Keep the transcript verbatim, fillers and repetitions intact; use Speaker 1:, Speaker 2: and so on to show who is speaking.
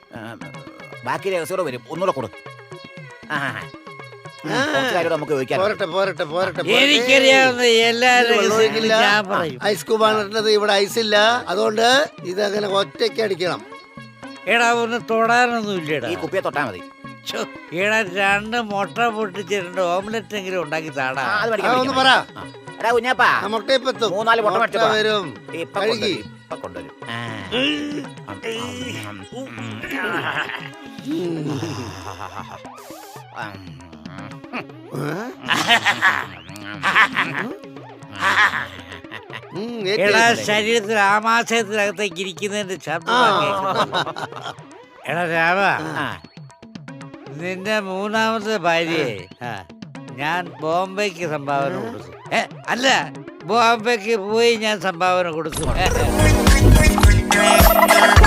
Speaker 1: ബാക്കി രഹസ്യം വരും. ഒന്നുകൂടെ കൊടു. നമുക്ക്
Speaker 2: പോരട്ടെ പോരട്ടെ പോരട്ടെ.
Speaker 3: എനിക്കറിയാവുന്ന എല്ലാ രഹസ്യങ്ങളും ഞാൻ പറയും.
Speaker 2: ഐസ് ക്യൂബാണ് ഇട്ടത്, ഇവിടെ ഐസ് ഇല്ല. അതുകൊണ്ട് ഇതങ്ങനെ ഒറ്റയ്ക്ക് അടിക്കണം.
Speaker 3: എടാ ഒന്ന് തൊടാനൊന്നും ഇല്ലടാ.
Speaker 1: ഈ കുപ്പിയെ തൊട്ടാ മതി.
Speaker 3: എടാ രണ്ട് മുട്ട പൊട്ടിച്ചിട്ടുണ്ട്, ഓംലെറ്റ് എങ്കിലും ഉണ്ടാക്കി താടാ.
Speaker 2: ഒന്ന് പറ
Speaker 1: കുഞ്ഞാപ്പാ.
Speaker 2: മുട്ടയപ്പെത്തും,
Speaker 1: മൂന്നാല് മുട്ട
Speaker 2: മുട്ട വരും. കഴുകി
Speaker 1: കൊണ്ടുവരും.
Speaker 3: എടാ ശരീരത്തിൽ ആമാശയത്തിനകത്തേക്ക് ഇരിക്കുന്നതിന്റെ ശബ്ദം. എടാ രാമ, നിന്റെ മൂന്നാമത്തെ ഭാര്യയെ ഞാൻ ബോംബെക്ക് സംഭാവന കൊടുക്കും. ഏ അല്ല, ബോംബെക്ക് പോയി ഞാൻ സംഭാവന കൊടുക്കും.